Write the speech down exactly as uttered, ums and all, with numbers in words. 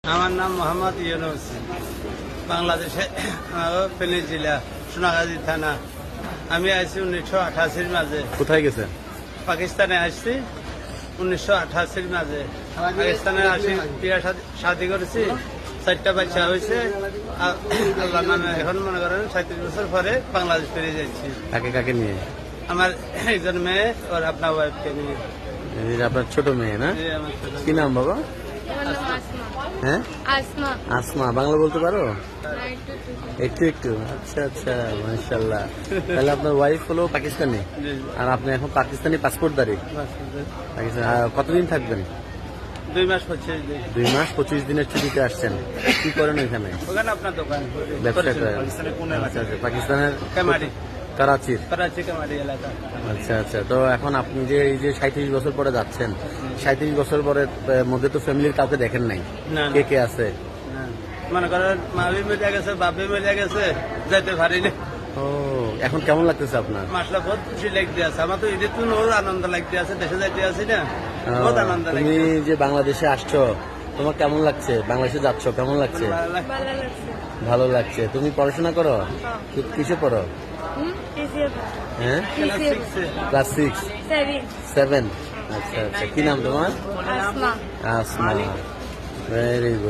আমার নাম মোহাম্মদ ইউনুস, বাংলাদেশে ফেনী জেলা সোনাগাজী থানা। আমি আসছি উনিশশো আঠাশির মাঝে। কোথায় গেছে? পাকিস্তানে আসছি উনিশশো আঠাশির মাঝে। পাকিস্তানে আসি বিয়া শাদি করেছি, চারটা বাচ্চা হয়েছে। আল্লাহ নামে এখন মনে করেন সাঁত্রিশ বছর পরে বাংলাদেশ ফিরে যাচ্ছি। কাকে কাকে নিয়ে? আমার একজন মেয়ে আর আপনার ওয়াইফকে নিয়ে। এই যে আপনার ছোট মেয়ে না? জি, আমার ছোট কি নাম বাবা? হ্যাঁ, আসমা। আসমা। বাংলা বলতে পারো? আর একটু একটু। একটু একটু। আচ্ছা আচ্ছা, মাশাআল্লাহ। তাহলে আপনার ওয়াইফ হলো পাকিস্তানি, জি, আর আপনি এখন পাকিস্তানি পাসপোর্টদারি। পাকিস্তান আর কতদিন থাকবেন? দুই মাস হচ্ছে। দুই মাস পঁচিশ দিনের ছুটিতে আসছেন। কি করেন ওইখানে? ওখানে আপনার দোকান ব্যবসা করেন? পাকিস্তানের কোন আচ্ছা আচ্ছা, পাকিস্তানের কামারি, করাচির। করাচি কামারি এলাকা। আচ্ছা আচ্ছা, তো এখন আপনি যে এই যে সাঁত্রিশ বছর পরে যাচ্ছেন, সাঁত্রিশ বছর পরে আহ, মধ্যে তো ফ্যামিলির কাউকে দেখেন নাই? না, কে কে আছে? না। মনে করেন মাবি মিলে গেছে, বাপি মিলে গেছে, যাইতে পারি না। ও, এখন কেমন লাগতেছে আপনার? মাসলা বহুত খুশি লাগতে আছে। আমার তো ঈদের তো ওর আনন্দ লাগতে আছে, দেশে যাইতে আছি না, বহুত আহ, আনন্দ তুমি লাগছে। যে বাংলাদেশে আসছো, তোমার কেমন লাগছে? বাংলাদেশে যাচ্ছ, কেমন লাগছে? ভালো লাগছে। ভালো লাগছে। তুমি পড়াশোনা করো? কি- কিসে পড়ো? হুম টিসিএফ হ্যাঁ, ক্লাস সিক্সে। Class six seven seven. আচ্ছা আচ্ছা, কি নাম তোমার? আসমা। আসমা। Very good.